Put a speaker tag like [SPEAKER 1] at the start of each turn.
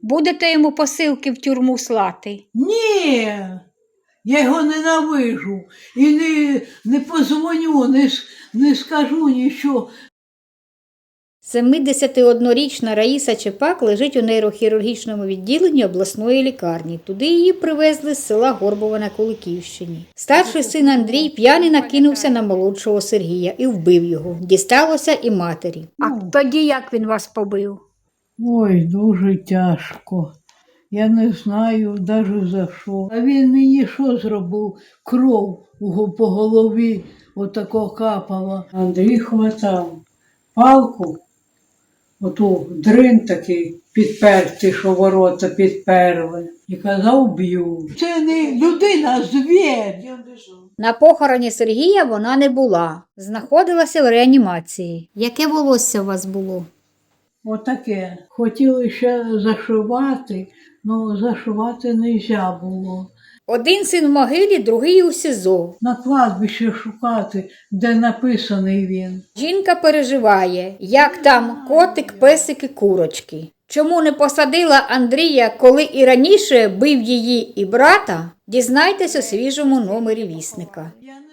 [SPEAKER 1] Будете йому посилки в тюрму слати?
[SPEAKER 2] Ні, я його ненавижу і не позвоню, не скажу нічого.
[SPEAKER 1] 71-річна Раїса Чепак лежить у нейрохірургічному відділенні обласної лікарні. Туди її привезли з села Горбова на Куликівщині. Старший син Андрій п'яний накинувся на молодшого Сергія і вбив його. Дісталося і матері. А тоді як він вас побив?
[SPEAKER 2] Ой, дуже тяжко. Я не знаю навіть за що. А він мені що зробив? Кров по голові отако капала. Андрій хватав палку, оту дрин такий підпертий, що ворота підперли. І казав, б'ю. Це не людина, а звір.
[SPEAKER 1] На похороні Сергія вона не була. Знаходилася в реанімації. Яке волосся у вас було?
[SPEAKER 2] Отаке. Хотіли ще зашивати, але зашивати не можна було.
[SPEAKER 1] Один син в могилі, другий у СІЗО.
[SPEAKER 2] На кладбищі шукати, де написаний він.
[SPEAKER 1] Жінка переживає, як там котик, песики, курочки. Чому не посадила Андрія, коли і раніше бив її і брата, дізнайтесь у свіжому номері «Вісника».
[SPEAKER 2] Я не